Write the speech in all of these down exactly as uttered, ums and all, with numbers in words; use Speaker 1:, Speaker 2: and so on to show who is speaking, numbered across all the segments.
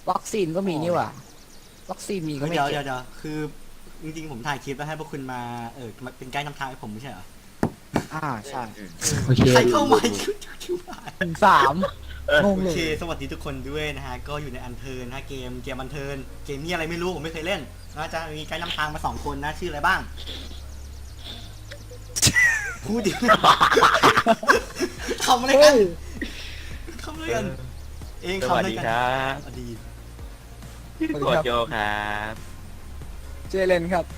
Speaker 1: วัคซีนก็มีนี่หว่าวัคซีนมีก็ไม่
Speaker 2: เดี๋ยว
Speaker 1: เก็
Speaker 2: เดี๋ย
Speaker 1: บ
Speaker 2: วเดี๋ยวคือจริงๆผมถ่ายคลิปแล้วให้พวกคุณมาเออมาเป็นไกด์นำทางให้ผมไม่ใช่เหรอ
Speaker 1: อ่าใช่
Speaker 3: อืม
Speaker 1: โอเค
Speaker 2: ใครเข้ามาชุดชุด
Speaker 1: หนึ่งสาม
Speaker 3: เออ
Speaker 1: งง
Speaker 2: โอ
Speaker 1: เล
Speaker 2: เค
Speaker 1: ย
Speaker 2: สวัสดีทุกคนด้วยนะฮะก็อยู่ในอันเทิร์นนะเกมเกมอันเทิร์นเกมนี้อะไรไม่รู้ผมไม่เคยเล่นนะจะมีไกด์นำทางมาสองคนนะชื่ออะไรบ้างพูดดิทำอะไรกันทำอะไรกันเอง
Speaker 3: ส
Speaker 2: ทำ
Speaker 3: วั
Speaker 2: อะ
Speaker 3: ส
Speaker 2: ไร
Speaker 3: ดี
Speaker 2: กัน
Speaker 3: ครับ
Speaker 2: สวัสดี
Speaker 3: โคชโจครับ
Speaker 1: เจเลนครับ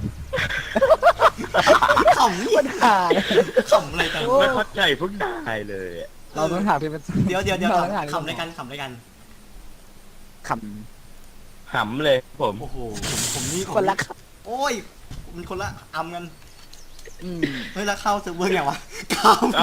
Speaker 2: ขำนี่
Speaker 1: ปัญหา
Speaker 2: ขำอะไรกัน
Speaker 1: โอ้
Speaker 3: ไม่เข้าใจพวกนายเลยอะ
Speaker 1: เราต้องหาที่เป็น
Speaker 2: เดี๋ยวเดี๋ยวเดี๋ยว
Speaker 1: ราต้องหาที่
Speaker 2: ขำอะไรกันขำอะไรกัน
Speaker 1: ข
Speaker 3: หำเลยผม
Speaker 2: โอ้โหผมผมนี่
Speaker 1: ำคนละครับ
Speaker 2: โอ้ยมันคนละอำกัน
Speaker 1: อืม
Speaker 2: เฮ้ยแล้วเข้าเซิร์ฟเวอร์อย่างวะเข้า
Speaker 3: เอ้า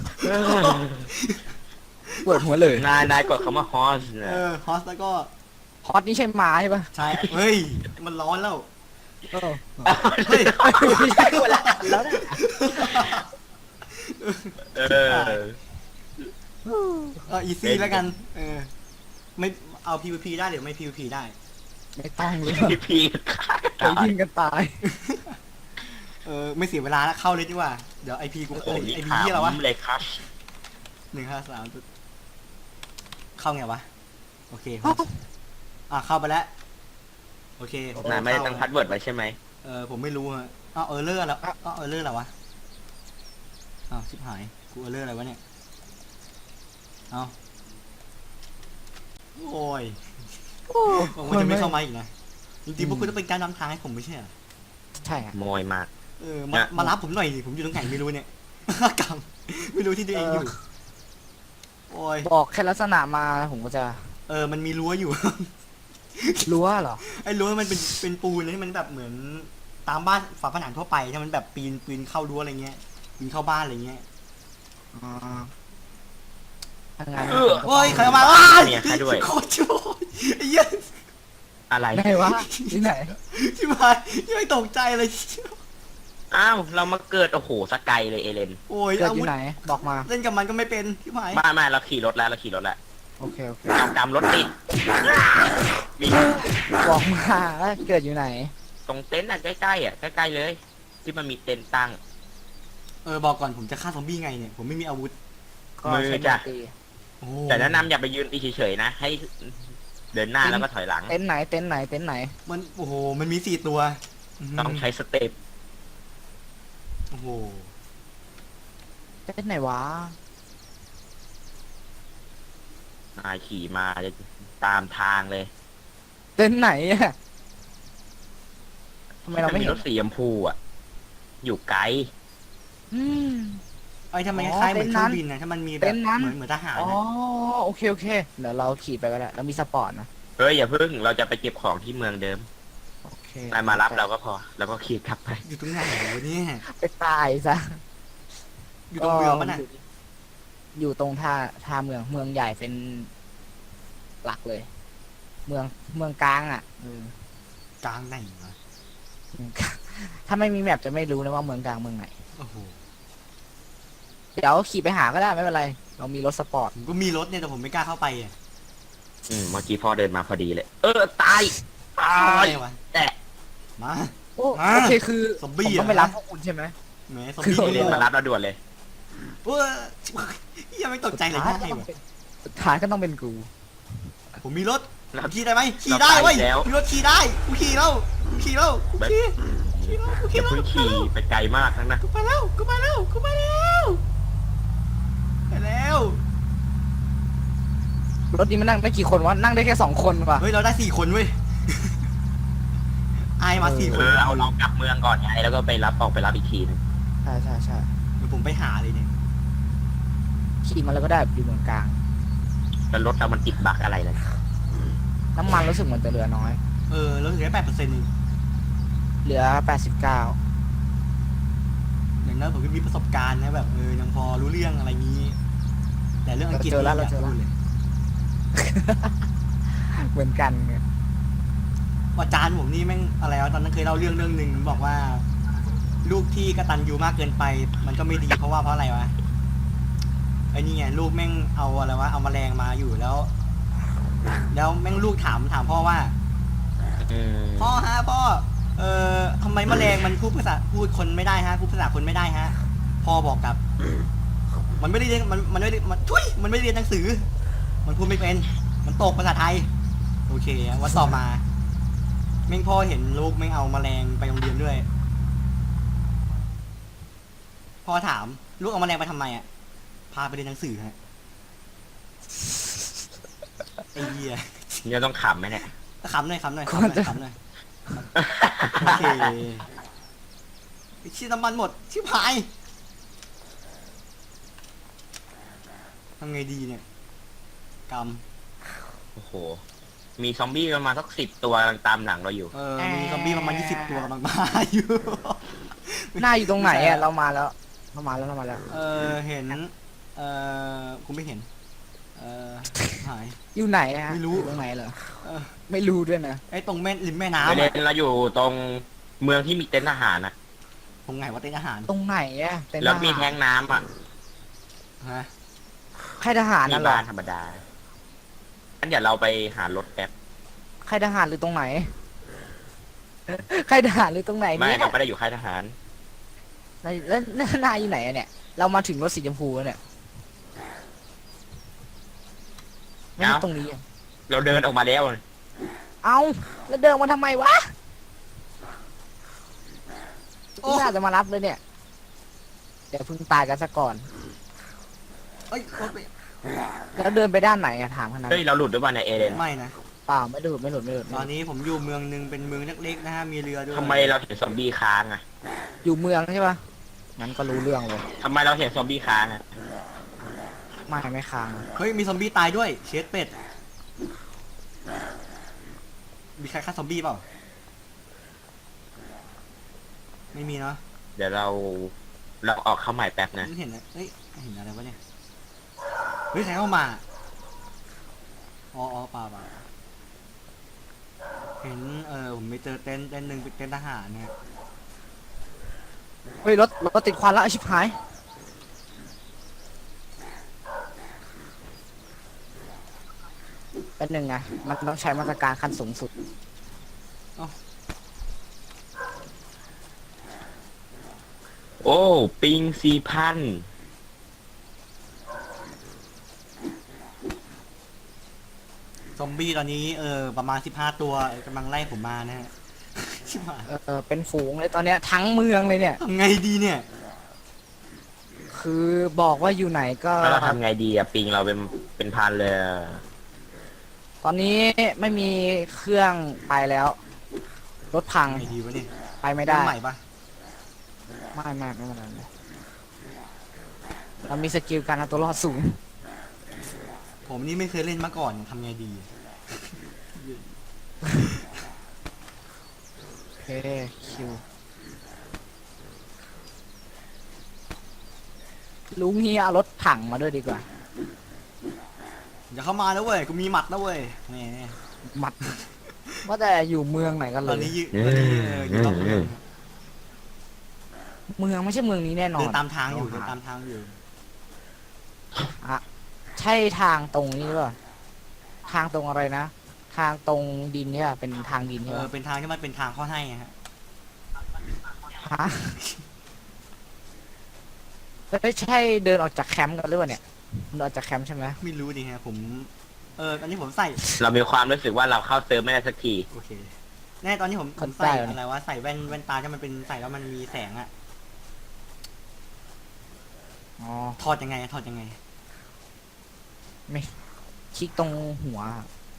Speaker 1: ปวดหัวเลย
Speaker 3: นายนายกดคำว่าฮอส
Speaker 2: เอ
Speaker 3: นะ
Speaker 2: อฮอสแล้วก็
Speaker 1: ฮอตนี่ใช่ม้าใช่ปะ
Speaker 2: ใช่เฮ้ยมันร้อนแล้ว
Speaker 1: เออ
Speaker 2: เฮ้ย
Speaker 1: ไม่ใช่คนละอันแล้วนะ
Speaker 3: เออ
Speaker 2: เอออีซี่แล้วกันเออไม่เอา พี วี พี ได้หรือไม่ พี วี พี ได้
Speaker 1: ไม่ต้องเลย
Speaker 3: พี่พีฆ่า
Speaker 1: ไปยิงกันตาย
Speaker 2: เออไม่เสียเวลาแล้วเข้าเลยดีกว่าเดี๋ยวไอพีกู
Speaker 3: โอ้โห
Speaker 2: ไอ
Speaker 3: นี่
Speaker 2: ไอพีที่อะไรวะ
Speaker 3: ขำเลยครับ
Speaker 2: หนึ่งห้าสามเข้าไงวะโอเคฮอสอ่ะเข้าไปแล้วโอเค
Speaker 3: นายไม่ได้ตั้งพาสเวิร์ดไว้ใช่ไหม
Speaker 2: เออผมไม่รู้ฮะอ้าวเออเลอร์แล้วอ้าวเออเลอร์แล้ววะอ้าวชิบหายกูเออเลอร์อะไรวะเนี่ยเอาโอ้ยผมว่าจะไม่เข้ามาอีกนะจริงๆพวกคุณต้องเป็นการนำทางให้ผมไม่ใช่เหรอ
Speaker 1: ใช่อะ
Speaker 3: โมยมาก
Speaker 2: เออมามารับผมหน่อยดิผมอยู่ตรงไหนไม่รู้เนี่ย กำไม่รู้ที่ตัวเองอยู่โอ้ย
Speaker 1: บอกแค่ลักษณะมาผมก็จะ
Speaker 2: เออมันมีรั้วอยู่
Speaker 1: รู้ว่าเหรอ
Speaker 2: ไอ้รั้วมันเป็นเป็นปูนที่มันแบบเหมือนตามบ้านฝาผนังทั่วไปที่มันแบบปีนปีนเข้ารั้วอะไรเงี้ยปีนเข้าบ้านอะไรเงี้ย
Speaker 1: อ๋อทำงาน
Speaker 3: เออ
Speaker 2: โอ้ยใครเอามาว้าย
Speaker 3: เนี่ยใครด้วย
Speaker 2: โคตรชั่วไอ้เหี้ย
Speaker 3: อะไร
Speaker 1: ไหนวะที่ไหน
Speaker 2: ชิบหายยังไม่ตกใจเลย
Speaker 3: อ้าวเรามาเกิดโอ้โหสกายเลยเอเลน
Speaker 2: โอ้ย
Speaker 1: เกิด
Speaker 2: อา
Speaker 1: อ
Speaker 2: วุ
Speaker 1: ยู่
Speaker 2: ธ
Speaker 1: ไหนบอกมา
Speaker 2: เล่นกับมันก็ไม่เป็นชิบหาย
Speaker 3: มามาเราขี่รถแล้วเราขี่รถแล้ว
Speaker 1: โอเคโอเค
Speaker 3: เอากำรถติดมี
Speaker 1: บอกมาว่าเกิดอยู่ไหน
Speaker 3: ตรงเต็นท์อ่ะใกล้ๆอ่ะใกล้ๆเลย ที่มันมีเต็นท์ตั้ง
Speaker 2: เออบอกก่อนผมจะฆ่าซอมบี้ไงเนี่ยผมไม่มีอาวุธ
Speaker 1: ก็
Speaker 3: มือ
Speaker 1: ใช้
Speaker 3: จ้ะ
Speaker 1: ตี
Speaker 2: โอ้
Speaker 3: แต่แนะนำอย่าไปยืนตีเฉยๆนะ ให้เดินหน้าแล้วก็ถอยหลัง
Speaker 1: เต็นท์ไหนเต็นท์ไหนเต็นท์ไหน
Speaker 2: มันโอ้โหมันมีสี่ตัว
Speaker 3: ต้องใช้สเต็ป
Speaker 2: โอ้โห
Speaker 1: เต็นท์ไหนวะ
Speaker 3: นายขี่มาจะตามทางเลย
Speaker 1: เต็นท์ไหนอะทำไมเราไม่
Speaker 3: มี
Speaker 1: เห็น
Speaker 3: รถสีชมพูอ่ะ อยู่ไกล
Speaker 1: อืม
Speaker 2: ไอ้ยทำไม
Speaker 1: อ๋
Speaker 2: ค
Speaker 1: อ
Speaker 2: ล้ายๆเหมือน
Speaker 1: เต็
Speaker 2: เคน
Speaker 1: ท์
Speaker 2: รื่
Speaker 1: นั้
Speaker 2: อน งบินนะถ้ามันมีแบ
Speaker 1: เต็
Speaker 2: บ
Speaker 1: นท์นั้น
Speaker 2: เหมือนเหมือนทหาร
Speaker 1: อ๋อ
Speaker 2: นะ
Speaker 1: โอเคโอเคเดี๋ยวเราขี่ไปก็ได้เรามีสปอร์ตนะ
Speaker 3: เฮ้ยอย่าเพิ่งเราจะไปเก็บของที่เมืองเดิม
Speaker 1: โอเคน
Speaker 3: ายมารับเราก็พอ แล้วก็ขี่กลับไป
Speaker 2: อยู่ตรงไหนวะเนี่ย
Speaker 1: ไปตายซะ
Speaker 2: อยู่ตรงเมืองปะน่ะ
Speaker 1: อยู่ตรงท่าท่าเมืองเมืองใหญ่เป็นหลักเลย เมืองเมืองกลางอ่ะเออก
Speaker 2: ลางไหนวะ
Speaker 1: เมืองกลางถ้าไม่มีแมปจะไม่รู้นะว่าเมืองกลางเมืองไหน
Speaker 2: โอ้โห
Speaker 1: เดี๋ยวขี่ไปหาก็ได้ไม่เป็นไร เรามีรถสปอร์ต
Speaker 2: ผมก็มีรถเนี่ยแต่ผมไม่กล้าเข้าไปอ่ะ
Speaker 3: อืมเมื่อกี้พ่อเดินมาพอดีเลย เออ ตาย ตา
Speaker 2: เข้าไป
Speaker 3: ย
Speaker 2: วะ
Speaker 3: แตะ
Speaker 2: มา
Speaker 1: โอ้
Speaker 2: อ่า
Speaker 1: โอเคคือ
Speaker 2: ซอม
Speaker 1: ผ
Speaker 2: บี้
Speaker 1: ม
Speaker 2: เหร
Speaker 1: ต้
Speaker 2: อ
Speaker 1: องไปรับพวกคุณใช่ไหม
Speaker 2: แหมซอม
Speaker 1: คือ
Speaker 2: บี้
Speaker 3: เรียน
Speaker 2: เลย
Speaker 3: มารับเราด่วนเลย
Speaker 2: เว้ยยังไม่ตกใจเลย
Speaker 1: สุดท้า
Speaker 2: ง่าย
Speaker 1: ก็ต้อง
Speaker 2: วะ
Speaker 1: เป็นสุดท้ายก็ต้องเป็นกู
Speaker 2: ผมมีรถ
Speaker 3: เรา
Speaker 2: ขี่ได้ไหมขี่ได้เว้ย
Speaker 3: เราไปแล้ว
Speaker 2: มีรถขี่ได้กูขี่แล้วกูขี่แล้วกูขี่ขี่แล้วกู
Speaker 3: อ
Speaker 2: ขี่
Speaker 3: ย่า
Speaker 2: แล้ว
Speaker 3: เพิ่งขี่ไปไกลมากนะนะ
Speaker 2: กูไปแล้วกูไปแล้วกูไปแล้วไปแล้ว
Speaker 1: รถนี้มันนั่งได้กี่คนวะนั่งได้แค่สองคนว่ะ
Speaker 2: เฮ้ยเราได้สี่คนเว้ยไอายมาสี่ค
Speaker 3: เอน อเอาเรากลับเมืองก่อนไงแล้วก็ไปรับออกไปรับอีกทีนึง
Speaker 1: ใช่ใช่ใช่
Speaker 2: เดี๋ยวผมไปหาเลยเนี่ย
Speaker 1: ขี่มาแล้วก็ได้อยู่เมืองกลาง
Speaker 3: แล้วรถเรามันติดบักอะไรเลย
Speaker 1: น้ำมันรู้สึกเหมือนจะเหลือน้อย
Speaker 2: เออเราถึงได้แปดเปอร์เซ็นต์เอง
Speaker 1: เหลือแปดสิบเก้า
Speaker 2: อย่างนั้นผมก็มีประสบการณ์นะแบบเออยังพอรู้เรื่องอะไรงี้ แต่เรื่องอังกฤษนี่อยากพูดเลย
Speaker 1: เหมือนกันไง
Speaker 2: อาจารย์ผมนี่แม่งอะไรวะตอนนั้นเคยเล่าเรื่องเรื่องหนึ่งบอกว่า ลูกที่กตัญญูมากเกินไป มันก็ไม่ดีเพราะว่าเพราะอะไรวะไอ้นี่ไงลูกแม่งเอาอะไรวะเอาแมลงมาอยู่แล้วแล้วแม่งลูกถามถามพ่อว่า
Speaker 3: อืม
Speaker 2: พ่อฮะพ่อ เอ่อทำไมแมลงมันพูดภาษาพูดคนไม่ได้ฮะพูดภาษาคนไม่ได้ฮะ พ่อบอกกับ มันไม่ได้เรียนมันมันไม่ได้มันทุยมันไม่ได้เรียนหนังสือ มันพูดไม่เป็น มันตกภาษาไทย โอเควันต่อมาแม่งพ่อเห็นลูกแม่งเอาแมลงไปโรงเรียนด้วย พ่อถามลูกเอาแมลงไปทำไมอ่ะ พาไปเรียนหนังสือฮะไอ้เหี้ย
Speaker 3: เนี่ยต้องขำไหมเนี่ย
Speaker 2: ขำหน่อยขำหน่อยขำหน่อยขำหน่อยโอเคไอ้ชิ้นน้ำมันหมดชิบหายทำไงดีเนี่ยกรรม
Speaker 3: โอ้โห มีซอมบี้ประมาณสักสิบตัวกำลังตามหลังเราอยู่
Speaker 2: เออมีซอมบี้ประมาณยี่สิบตัวกำลังมาอยู่
Speaker 1: หน้าอยู่ตรงไหนอ่ะเรามาแล้วเรามาแล้วเรามาแล้ว
Speaker 2: เออเห็น เออกูไม่เห็น เออหาย
Speaker 1: อยู่ไหนฮะ
Speaker 2: ไม่รู้
Speaker 1: อยู่ตรงไหนเหรอ
Speaker 2: เออ
Speaker 1: ไม่รู้ด้วยนะ
Speaker 2: ไอ้ตรงแม่ริมแม่
Speaker 3: ไป
Speaker 2: น้ำ
Speaker 3: เล่
Speaker 2: อะ
Speaker 3: นเราอยู่ตรงเมืองที่มีเต็นท์ทหารอ่ะ
Speaker 2: ตรงไหนวะเต้นอาหาร
Speaker 1: ตรงไหนอ่ะเป็น
Speaker 3: แล้ว
Speaker 1: ท
Speaker 3: มี
Speaker 1: หา
Speaker 3: แท้
Speaker 1: รง
Speaker 3: น้ำอ่ะ
Speaker 2: ฮะ
Speaker 1: ค่ายทหาร
Speaker 3: มี
Speaker 1: นั่นเหรอ
Speaker 3: บ้านธรรมดางั้นเดี๋ยวเราไปหารถแป๊บ
Speaker 1: ค่ายทหารหรือตรงไหนค่ายทหารหรือตรงไหน
Speaker 3: ไม่
Speaker 1: เนี่ย
Speaker 3: เราไม่ได้อยู่ค่ายทหาร
Speaker 1: แล้วแล้วแล้วนายอยู่ไหนอะเนี่ย เรามาถึงรถสีชมพูแล้วเนี่ยไม่ใช่ตรงนี้อะ
Speaker 3: เราเดินออกมาแล้ว
Speaker 1: เอาแล้วเดินมาทำไมวะ
Speaker 2: โอ้
Speaker 1: น่าจะมารับเลยเนี่ย เดี๋ยวเพิ่งตายกันซะก่อน
Speaker 2: เอ้ยรถไป
Speaker 1: แล้วเดินไปด้านไหนอะถามขนาด
Speaker 3: เฮ้ย
Speaker 1: นั้น
Speaker 3: เราหลุดด้วยป่ะเนี่ยเอเดน
Speaker 2: ไม่นะ
Speaker 1: เปล่าไม่หลุดไม่หลุดไม่หลุด
Speaker 2: ตอนนี้ผมอยู่เมืองหนึ่งเป็นเมืองเล็กๆนะฮะ มีเรือด้วย
Speaker 3: ทำไมเราเห็นซอมบี้ค้างอ่ะ
Speaker 1: อยู่เมืองใช่ปะงั้นก็รู้เรื่องเลย
Speaker 3: ทำไมเราเห็นซอมบี้ค้างอ่ะ
Speaker 1: ไม่ไม่ค้าง
Speaker 2: เฮ้ย มีซอมบี้ตายด้วย เชดเป็ด มีใครฆ่าซอมบี้เปล่า ไม่มีเนาะ
Speaker 3: เดี๋ยวเราเราออกเข้าใหม่แป๊บนะ
Speaker 2: ไม่เห็นนะเฮ้ย เห็นอะไรวะเนี่ย เฮ้ย ใครเข้ามา อ๋ออ๋อเปล่าเปล่าเห็น เออผมไปเจอเต็นท์เต็นท์หนึ่งเป็นเต็นท์ทหารเนี่ย
Speaker 1: เฮ้ยรถรถติดควันแล้วไอ้ชิบหายเป็นหนึ่งไงมันต้องใช้มาตรการขั้นสูงสุด
Speaker 3: โอ้ปิงสี่พัน
Speaker 2: ซอมบี้ตอนนี้ เออ ประมาณสิบห้าตัวกำลังไล่ผมมานะฮะ ชิบหาย
Speaker 1: เออเป็นฝูงเลยตอนเนี้ยทั้งเมืองเลยเนี่ย
Speaker 2: ทำไงดีเนี่ย
Speaker 1: คือบอกว่าอยู่ไหนก็
Speaker 3: แล้วเราทำไงดีอะปิงเราเป็นเป็นพันเลยอะ
Speaker 1: ตอนนี้ไม่มีเครื่องไปแล้ว รถพัง
Speaker 2: ไงดีวะเนี่ย
Speaker 1: ไปไม่ได้
Speaker 2: เริ่ใหม่ปะ
Speaker 1: ไม่ไม่ไม่เป็นไรเลยเรามีสกิลการเอาตัวรอดสูง
Speaker 2: ผมนี่ไม่เคยเล่นมาก่อนทำไงดี
Speaker 1: โอเคคิวลุงเฮียเอารถถังมาด้วยดีกว่า
Speaker 2: อย่าเข้ามานะเว้ย กูมีหมัดนะเว้ยแหม
Speaker 1: หมัด ว่าแต่อยู่เมืองไหนกันเล
Speaker 2: ตอน
Speaker 1: ย
Speaker 2: นี้ยืตอนนี้เอออยู่รอบเมือง
Speaker 1: เมืองไม่ใช่เมืองนี้แน่นอน
Speaker 2: เดินตามทางอยู่เดินตามทางอยู่
Speaker 1: อะใช่ทางตรงนี้หรือเปล่าทางตรงอะไรนะ ทางตรงดินเนี่ยเป็นทางดิน
Speaker 2: เอ
Speaker 1: ใช่ไหม
Speaker 2: อ เป็นทางที่มันเป็นทางเข้าให้อะฮะ
Speaker 1: ฮะไม่ใช่เดินออกจากแคมป์กันหรือเปล่าเนี่ยเดินออกจากแคมป์ใช่ไหม
Speaker 2: ไม่รู้ดิฮะ ผม เออ ตอนนี้ผมใส่
Speaker 3: เรามีความรู้สึกว่าเราเข้าเติมไม่ได้สักที
Speaker 2: โอเค แน่ตอนนี้ผมผมใส่อะไรวะ ใส่แว่นแว่นตาที่มันเป็นใส่แล้วมันมีแสงอะ
Speaker 1: อ๋อ
Speaker 2: ถอดยังไงอะถอดยังไง
Speaker 1: คลิกตรงหัว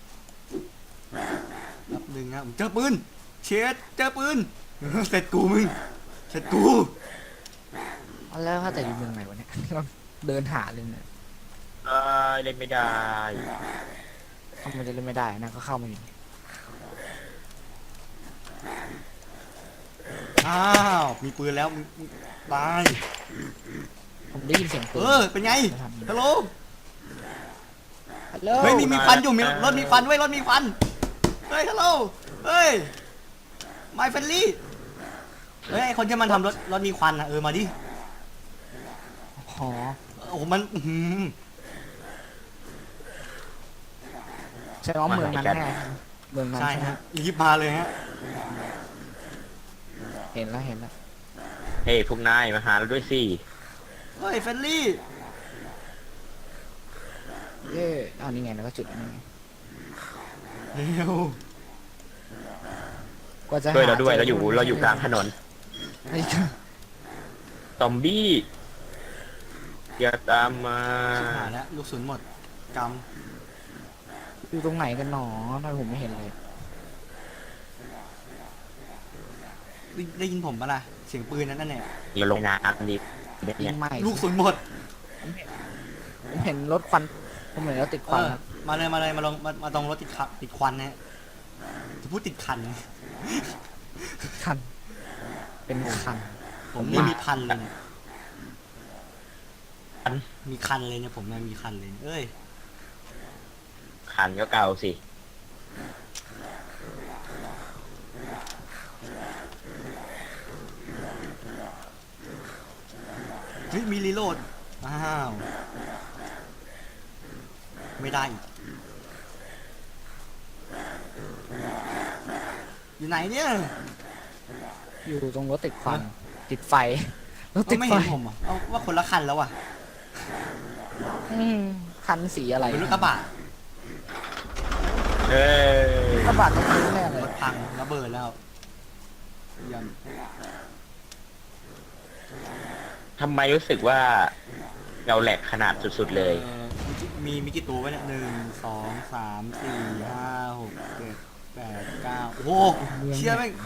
Speaker 2: แป๊บนึงนะผมเจอปืน เชดเจอปืน เสร็จกูมึง เสร็จกู
Speaker 1: แล้วถ้าแต่อยู่เมืองไหนวะเนี่ย เดินหาเลยเนี่ย
Speaker 3: เออเล่นไม่ได้
Speaker 1: ทำไมจะเล่นไม่ได้นะก็เข้ามาอยู่
Speaker 2: อ้าว มีปืนแล้วมึงมึงตาย
Speaker 1: ผมได้ยินเสียงปื
Speaker 2: เอน อ เป็นไง ฮัลโหล
Speaker 1: ฮัลโหล
Speaker 2: เฮ้ยมีมีควันอยู่มีรถมีควันเว้ยรถมีควัน เฮ้ยฮัลโหล เฮ้ย My friendly เฮ้ยไอคนที่มันทำรถรถมีควันนะเออมาดิ
Speaker 1: อ๋อ
Speaker 2: โอ้โหมันอื้อหือ
Speaker 1: ฉช่ว่าเมืองนั้น
Speaker 3: มาหากัน
Speaker 1: แน่เมืองนั้น
Speaker 2: ใช่
Speaker 1: ใช่ไหม
Speaker 2: ฮะรีบมาเลยฮะ
Speaker 1: เห็นแล้วเห็นแล้ว
Speaker 3: เฮ้ยพวกนายมาหาเราด้วยสิ
Speaker 2: เฮ้ยเฟลลี่
Speaker 1: เย้อ้าวนี่ไงแล้วก็จุดนี่ไง
Speaker 2: เร็ว
Speaker 1: กว่าจะ
Speaker 3: ช่วยเราด้วย
Speaker 1: ห
Speaker 3: เราอยู่
Speaker 1: จ
Speaker 3: เราอยู่กลางถนน
Speaker 1: ไอ้
Speaker 3: ซอมบี้อย่าตามมา
Speaker 2: หาแล้วลูกศูนย์หมดก
Speaker 1: อยู่ตรงไหนกันหนอทำไมผมไม่เห็นเลย
Speaker 2: ำได้ได้ยินผมปะล่ะเสียงปืนนั้นนั่นเนี่ย
Speaker 3: อย่าลงน้ำดิ
Speaker 1: ยิ
Speaker 3: เนี่ย
Speaker 1: งใหม่
Speaker 2: ลูกศูนย์หมด
Speaker 1: ผมเห็นรถควันผมเห็นรถติดค
Speaker 2: เอ
Speaker 1: วัน
Speaker 2: อ
Speaker 1: ครับ
Speaker 2: มาเลยมาเลยมาลงมามาตรงรถติดขับติดควันนะฮะจะพูดติดคัน
Speaker 1: คัน เป็นคัน
Speaker 2: ผมนี่มีคันเลยเนี่ยมีคันเลยเนี่ยผมเนี่ยมีคันเลยเอ้ย
Speaker 3: ขันก็เก่าสิ
Speaker 2: เฮ้ยมีรีโหลดอ้าวไม่ได้อีกอยู่ไหนเนี่ย
Speaker 1: อยู่ตรงรถติดควันติดไฟรถ
Speaker 2: เอ้า
Speaker 1: ติด
Speaker 2: ไม่
Speaker 1: ไฟ
Speaker 2: เห็นผมอ่ะเอาว่าคนละคันแล้วอ่ะ
Speaker 1: อืมคันสีอะไร
Speaker 2: เป็นรถกระบะ
Speaker 3: เอ้ย
Speaker 1: กระบะตรงนี้แน่เล
Speaker 2: ร
Speaker 1: ย
Speaker 2: ถพังระเบิดแล้วยัง
Speaker 3: ทำไมรู้สึกว่าเราแหลกขนาดสุดๆเลย
Speaker 2: เอ่อมีมีกี่ตัววะเนี่ยหนึ่งสองสามสี่ห้าหกเจ็ดแปดเก้าโอ้โหเชี่ยแม่ง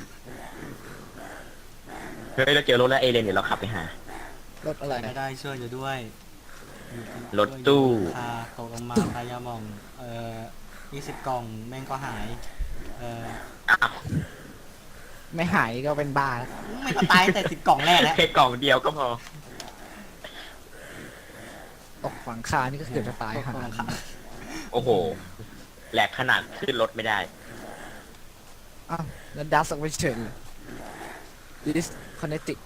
Speaker 3: เฮ้ยเราเจอรถแล้วเอเลนเดี๋ยวเราขับไปหา
Speaker 1: รถอะไร
Speaker 2: ได้ได้ช่วยอยู่ด้วย
Speaker 3: รถตู้
Speaker 2: พาตกลงมาพายามองเอ่อยี่สิบกล่องแม่งก็หายเอ่อ
Speaker 3: อ้าว
Speaker 1: ไม่หายก็เป็นบ้าแล้ว
Speaker 2: ไม่ก็ตายแต่สิบกล่องแรกแล้ว
Speaker 3: แค่กล่องเดียวก็พอ
Speaker 1: ตกฝังคานี่ก็เกือบจะตาย
Speaker 2: ตก
Speaker 1: ห่า
Speaker 2: ลงค่ะ
Speaker 3: โอ้โห แหลกขนาดขึ้นรถไม่ได้
Speaker 1: อ้าวแล้วดัสออกไปเฉยเลยดิสคอนเนติก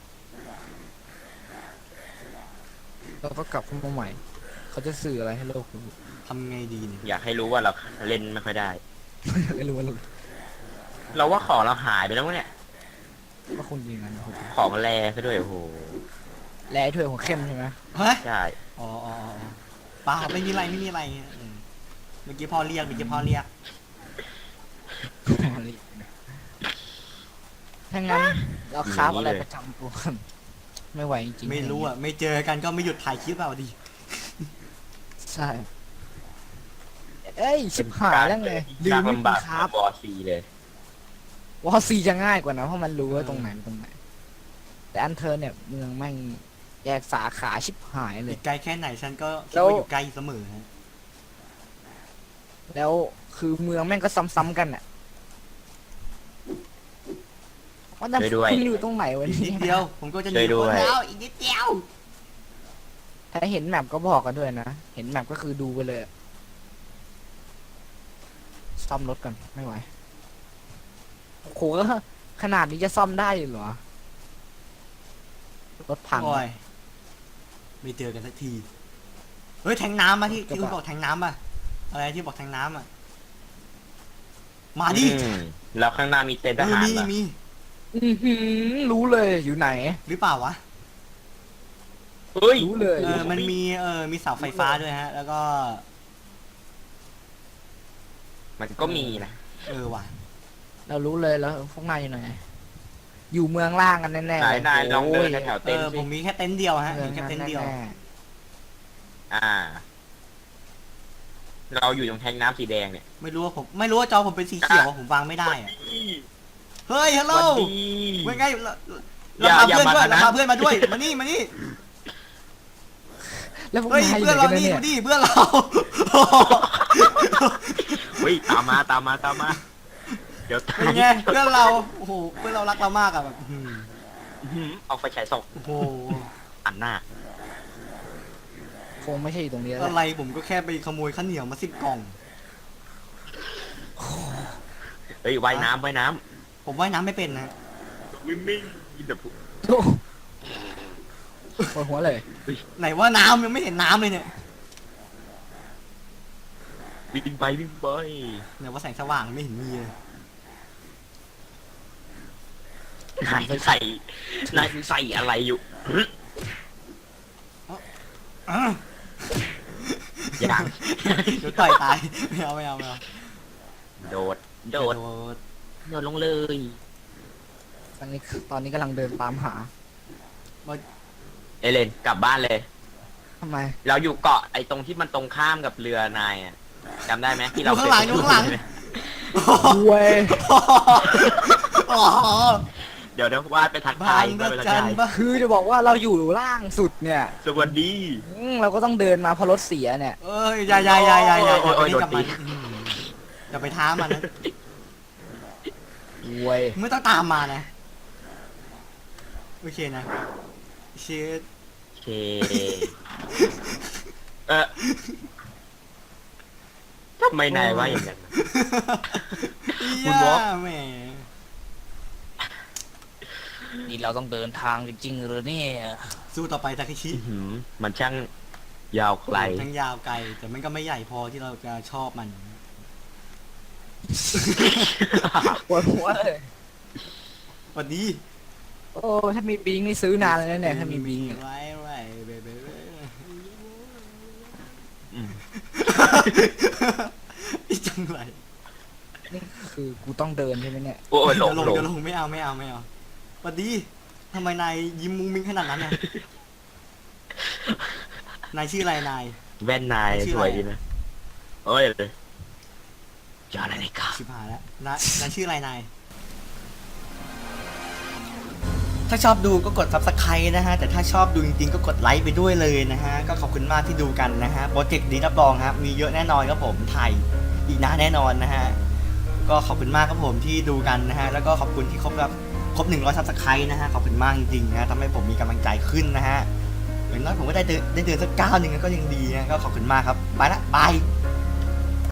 Speaker 1: เราก็กลับเข้ามาใหม่ เขาจะสื่ออะไรให้โลกรู้
Speaker 2: ทำไงดีเนี่ย
Speaker 3: อยากให้รู้ว่าเราเล่นไม่ค่อยได้
Speaker 1: ไม่รู้ว่าเรา
Speaker 3: เราว่าของเราหายไปแล้วมั้งเนี่ย
Speaker 1: ว่าคุณยิงกันนะครับ
Speaker 3: ของแรซะด้วยโอ้โห
Speaker 1: แร่ถ้วยหัวเข้มใช่ไหม
Speaker 2: เฮ้ย
Speaker 3: ใช่
Speaker 2: อ๋ออ๋ออ๋ออ๋อเปล่าไม่มีอะไรไม่มีอะไรอืมเมื่อกี้พ่อเรียกเมื่อกี้พ่อเรียก
Speaker 1: ถ้างั้นเราคราฟอะไรประจำตัวกันไม่ไหวจริงๆ
Speaker 2: ไม่รู้อ่ะไม่เจอกันก็ไม่หยุดถ่ายคลิปเอาดิ
Speaker 1: ใช่ เอ้ยชิบหายแล้วไงลื
Speaker 3: ยาม ก
Speaker 1: ไม่
Speaker 3: ลำ
Speaker 1: มี
Speaker 3: บาก
Speaker 1: คราฟ
Speaker 3: บอสีเลย
Speaker 1: วอซีจะง่ายกว่านะเพราะมันรู้ว่าตรงไหนเป็นตรงไหน แต่อันเธอเนี่ยเมืองแม่งแยกสาขาชิบหายเล
Speaker 2: อี
Speaker 1: ย
Speaker 2: กไกลแค่ไหนฉันก็คิด
Speaker 1: แล้ว
Speaker 2: ว่าอยู่ไกลเสมอฮะ
Speaker 1: แล้วคือเมืองแม่งก็ซ้ำๆกันอ่ะว่าแต่
Speaker 3: ช่วยด้วย
Speaker 1: คุณอยู่ตรงไหนวะ
Speaker 2: อีกนิ
Speaker 1: เนี่
Speaker 2: ดเดียวย ผมก็จะหนี
Speaker 3: ช่วยด้วย
Speaker 2: คนแล้วอีกนิดเดียว
Speaker 1: ถ้าเห็นแมปก็บอกกันด้วยนะ เห็นแมปก็คือดูไปเลยอะซ่อมรถกันไม่ไหวโอ้โหก็ขนาดนี้จะซ่อมได้อยู่เหรอ รถพัง
Speaker 2: โอ้ยไม่เจอกันสักทีเฮ้ยแทงน้ำมาที่ที่คุณบอกแทงน้ำป่ะอะไรที่บอกแทงน้ำอ่ะมาดิ
Speaker 3: อืมแล้วข้างหน้ามีเต็นท์ท
Speaker 2: เออ
Speaker 3: หาร
Speaker 2: มี
Speaker 3: เหรอ
Speaker 2: มี
Speaker 1: อื้อหือรู้เลยอยู่ไหน
Speaker 2: หรือเปล่าวะ
Speaker 3: เฮ้ย
Speaker 1: รู้เลย
Speaker 2: เออมันมีเออมีเสาไฟฟ้าด้วยฮะ แล้วก็
Speaker 3: มันก็มีนะ
Speaker 2: เออว่ะ
Speaker 1: เรารู้เลยแล้วพวกนายอยู่ไหน อยู่เมืองล่างกันแน่ๆ
Speaker 3: นาย
Speaker 1: เลย
Speaker 3: นายลองเดินแถวๆ
Speaker 2: เอ
Speaker 3: เต็น
Speaker 2: อ
Speaker 3: ท์
Speaker 2: ผ
Speaker 3: สิ
Speaker 2: มมีแค่เต็นท์เดียวฮะ
Speaker 1: เมือง
Speaker 2: มีแค่เต็นท์เดียว
Speaker 1: แน่
Speaker 3: อ่า เราอยู่ตรงแทงน้ำสีแดงเนี่ย
Speaker 2: ไม่รู้ว่าผมไม่รู้ว่าจอผมเป็นสีเขียวผมวางไม่ได้อะเฮ้ยฮัลโหล
Speaker 3: วันดี
Speaker 2: เป็นไงเรา
Speaker 3: อย่า
Speaker 2: เราพา
Speaker 3: อย่า
Speaker 2: เพื่อนด้วย
Speaker 3: มานะ
Speaker 2: เราพาเพื่อนมาด้วยมานี่มานี่
Speaker 1: ๆแล้วพวก
Speaker 2: เฮ้ย
Speaker 1: นายอยู่
Speaker 2: เพื่อน
Speaker 1: ไหน
Speaker 2: เรา
Speaker 1: กัน
Speaker 2: นี่
Speaker 1: เนี่ย
Speaker 2: มาดิเพื่อนเรา
Speaker 3: เฮ้ยตามมาตามมาตามมา เดี๋ยวตา
Speaker 2: เป็น
Speaker 3: ม
Speaker 2: ไงเพื่อนเราโอ้โหเพื่อนเรารักเรามากอะแบบอื้อหือ
Speaker 3: อื้อหือเอาไฟฉายส่อง
Speaker 2: โอ้โห
Speaker 3: อันหน้า
Speaker 1: คงไม่ใช่อยู่ตรงนี้แล้ว
Speaker 2: อะไรผมก็แค่ไปขโมยข้าวเหนียวมาสิบกล่อง
Speaker 3: เฮ้ยว่ายน้ำว่ายน้
Speaker 2: ผมว่ายน้ำไม่เป็นนะ
Speaker 3: ำวิ่งวิ่งอินเดอะพู
Speaker 1: โอ้ปวดหัวเลย
Speaker 2: ไหนว่าน้ำยังไม่เห็นน้ำเลยเนี่ย
Speaker 3: วิ่งไปวิ่งไป
Speaker 2: เนี่ยว่าแสงสว่างไม่เห็นมีเลย
Speaker 3: นายใส่นายใส่อะไรอยู่
Speaker 2: อ่ะ
Speaker 3: อย่าง
Speaker 2: เดี๋ยวต่อยตายไม่เอาไม่เอาไม่เอา
Speaker 3: โดด โดด
Speaker 2: ด
Speaker 3: โดดลงเลย
Speaker 1: ตอนนี้ตอนนี้กำลังเดินตามหา
Speaker 3: เอเลนกลับบ้านเลย
Speaker 1: ทำไม
Speaker 3: เราอยู่เกาะไอ้ตรงที่มันตรงข้ามกับเรือนายอ่ะจำได้ไหมที่
Speaker 2: อ
Speaker 3: เรา
Speaker 2: ยู่ข้างหลังอยู่ข้างหลัง
Speaker 1: เว้ย
Speaker 2: อ๋อ
Speaker 3: เดี๋ยวเดี๋ยววาดไปทัก
Speaker 2: บา
Speaker 3: ทาย
Speaker 2: ง
Speaker 3: ไป
Speaker 2: ระ
Speaker 3: ทัก
Speaker 2: จั
Speaker 3: ทาน ย
Speaker 2: บ้า
Speaker 1: คือจะบอกว่าเราอยู่ล่างสุดเนี่ย
Speaker 3: สวัสดี
Speaker 1: อืมเราก็ต้องเดินมาเพราะรถเสียเนี่ย
Speaker 2: เอ้ยอย่าอย่าอย่าอย่าอย่า
Speaker 3: โอ้ยโอ้ย
Speaker 2: อย่าไป
Speaker 3: โดนตี
Speaker 2: กับมันอืมอย่าไปท้ามันนะ
Speaker 1: เว้ย
Speaker 2: ไม่ต้องตามมานะโอเคนะเชิด
Speaker 3: โอเค เออทำไมนายว่าอย่างนั้น คุณวอล์ก
Speaker 2: แหม
Speaker 1: นี่เราต้องเดินทางจริงๆหรือเนี่ย
Speaker 2: สู้ต่อไปทาเคชิ
Speaker 3: อื้อหือมันช่างยาวไกล
Speaker 2: ทั้งยาวไกล แต่มันก็ไม่ใหญ่พอที่เราจะชอบมัน
Speaker 1: ปวดหัวเลย
Speaker 2: สวัสดี
Speaker 1: โอ้ถ้ามีบิงนี่ซื้อนานเลยนะเนี่ยถ้ามีบิงอะ
Speaker 2: ไว้ไว้เบเบเบ
Speaker 3: อืม
Speaker 2: อีจังไร
Speaker 1: นี่คือกูต้องเดินใช่ไหมเนี่ย
Speaker 3: โอ้ยหล
Speaker 2: เดี๋ยวลง
Speaker 3: งหลง
Speaker 2: เดี๋ยวลงไม่เอาไม่เอาไม่เอาสวัสดีทำไมนายยิ้มมุ้งมิ้งขนาดนั้นน่ะนายชื่ออะไรนาย
Speaker 3: แว่นนาย
Speaker 2: ชื่อ
Speaker 3: ส
Speaker 2: อะไร
Speaker 3: วยดีนะโอ้ยเลยจออะไรนี่ครับ
Speaker 2: ชิบหายแล้วนายนายชื่ออะไรนาย ถ้าชอบดูก็กด ซับสไครบ์ นะฮะ แต่ถ้าชอบดูจริงๆ ก็กดไลค์ไปด้วยเลยนะฮะ ก็ขอบคุณมากที่ดูกันนะฮะ โปรเจกต์นี้รับรองครับ มีเยอะแน่นอนครับผม ถ่ายอีกนานแน่นอนนะฮะ ก็ขอบคุณมากครับผมที่ดูกันนะฮะ แล้วก็ขอบคุณที่ครบครับครบหนึ่งร้อย ซับสไครบ์ นะฮะ ขอบคุณมากจริงๆนะทำให้ผมมีกำลังใจขึ้นนะฮะอย่างน้อยผมก็ได้เดินได้เดินสักก้าวหนึ่งก็ยังดีนะ ก็ขอบคุณมากครับ ไปละบาย